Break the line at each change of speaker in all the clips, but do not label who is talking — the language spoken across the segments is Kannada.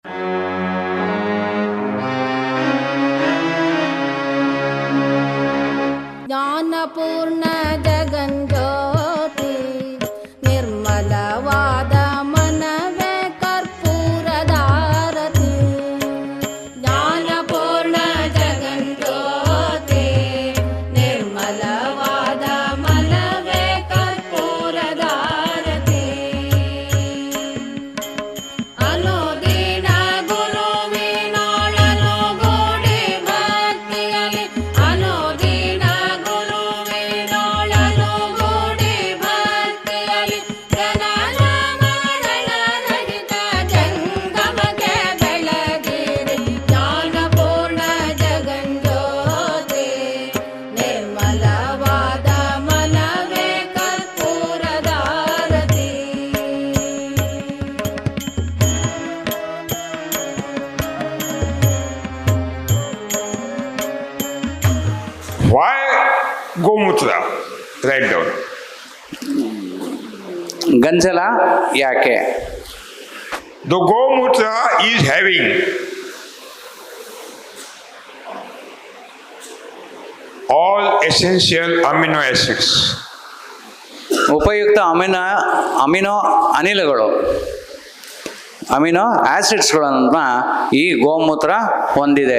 ಜ್ಞಾನಪೂರ್ಣ ಜಗಂಜ್ಯೋತಿ ನಿರ್ಮಲವಾದ ಮನವೇ ಕರ್ಪೂರದಾರತಿ. ಜ್ಞಾನಪೂರ್ಣ ಜಗಂಜ್ಯೋತಿ ನಿರ್ಮಲವಾದ ಮನವೇ ಕರ್ಪೂರದಾರತಿ. ಅನುದಿನ ಗುರುವಿನೊಳನು ಗೂಡಿ ಭಕ್ತಿಯಲಿ, ಅನುದಿನ ಗುರುವಿನೊಳನು ಗೂಡಿ ಭಕ್ತಿಯಲಿ, ಜನನ ಮರಣ ರಹಿತ ಜಂಗಮಕ್ಕೆ ಬೆಳಗಿರಿ. ಜ್ಞಾನಪೂರ್ಣ ಜಗಂಜ್ಯೋತಿ ನಿರ್ಮಲವಾದ ಮನವೇ ಕರ್ಪೂರದಾರತಿ.
Why Gomutra? Write down.
ಗಂಜಲ ಯಾಕೆ?
The Gomutra is having all essential amino acids.
ಉಪಯುಕ್ತ ಅಮಿನೋ ಅನಿಲಗಳು, ಅಮಿನೋ ಆಸಿಡ್ಸ್ಗಳನ್ನು ಈ ಗೋಮೂತ್ರ ಹೊಂದಿದೆ.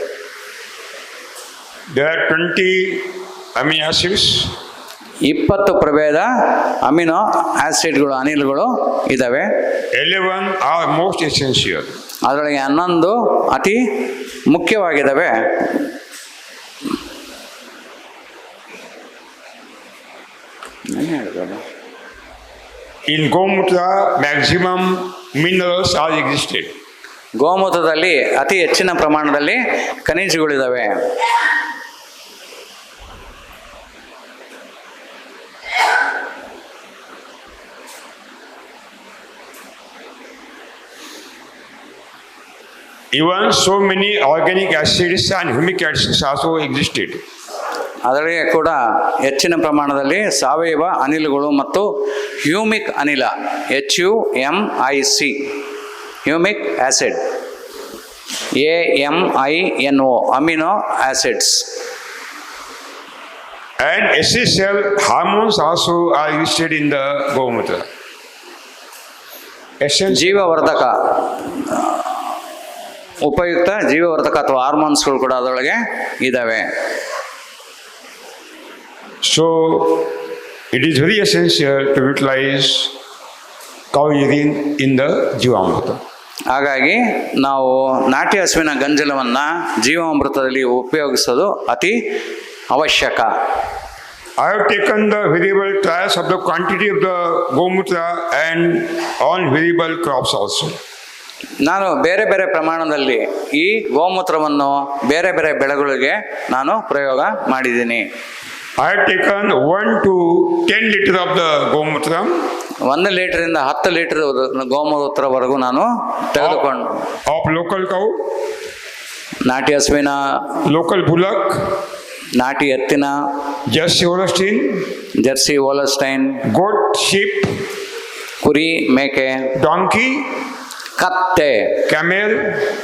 There are 20 amino acids.
20 ಪ್ರಭೇದ ಅಮಿನೋ ಆಸಿಡ್ಗಳು, ಅನಿಲಗಳು ಇದ್ದಾವೆ.
11 are most essential.
ಅದರೊಳಗೆ 11 ಅತಿ ಮುಖ್ಯವಾಗಿದ್ದಾವೆ.
In Gomutra, maximum minerals are existed.
ಗೋಮೂತ್ರದಲ್ಲಿ ಅತಿ ಹೆಚ್ಚಿನ ಪ್ರಮಾಣದಲ್ಲಿ ಖನಿಜಗಳಿದ್ದಾವೆ.
Even so many organic acids and humic acids also existed.
ಅದರೊಳಗೆ ಕೂಡ ಹೆಚ್ಚಿನ ಪ್ರಮಾಣದಲ್ಲಿ ಸಾವಯವ ಅನಿಲಗಳು ಮತ್ತು ಹ್ಯೂಮಿಕ್ ಅನಿಲ, HUMIC, humic acid, AMINO, amino acids.
And essential hormones also are existed in the Gomutra.
ಜೀವವರ್ಧಕ, ಉಪಯುಕ್ತ ಜೀವವರ್ಧಕ ಅಥವಾ ಹಾರ್ಮೋನ್ಸ್ಗಳು ಕೂಡ ಅದರೊಳಗೆ ಇದ್ದಾವೆ.
So it is very essential to utilize cow urine in the Jivamrita.
ಹಾಗಾಗಿ ನಾವು ನಾಟಿ ಹಸುವಿನ ಗಂಜಲವನ್ನು ಜೀವಾಮೃತದಲ್ಲಿ ಉಪಯೋಗಿಸೋದು ಅತಿ ಅವಶ್ಯಕ.
I have taken the variable trials of the quantity of the Gomutra and on variable crops also.
ನಾನು ಬೇರೆ ಬೇರೆ ಪ್ರಮಾಣದಲ್ಲಿ ಈ ಗೋಮೂತ್ರವನ್ನು ಬೇರೆ ಬೇರೆ ಬೆಳೆಗಳಿಗೆ ನಾನು ಪ್ರಯೋಗ ಮಾಡಿದ್ದೀನಿ.
I have taken 1 to 10 liter of the Gomutra.
1 ಲೀಟರಿಂದ 10 ಲೀಟರ್ ಗೋಮೂತ್ರವರೆಗೂ ನಾನು ತೆಗೆದುಕೊಂಡು
of local cow,
ನಾಟಿ ಹಸುವಿನ,
local bullock,
ನಾಟಿ ಎತ್ತಿನ,
Jersey Holstein,
Jersey Holstein,
goat, sheep,
ಕುರಿ, ಮೇಕೆ,
donkey,
ಕತ್ತೆ,
camel,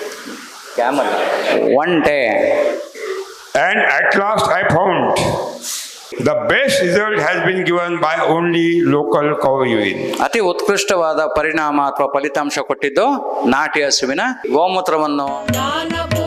ಒಂಟೆ.
and at last I found the best result has been given by only local cow urine.
ಅತಿ ಉತ್ಕೃಷ್ಟವಾದ ಪರಿಣಾಮ ಅಥವಾ ಫಲಿತಾಂಶ ಕೊಟ್ಟಿದ್ದು ನಾಟಿ ಹಸುವಿನ ಗೋಮೂತ್ರವನ್ನು.
ಜ್ಞಾನಪೂರ್ಣ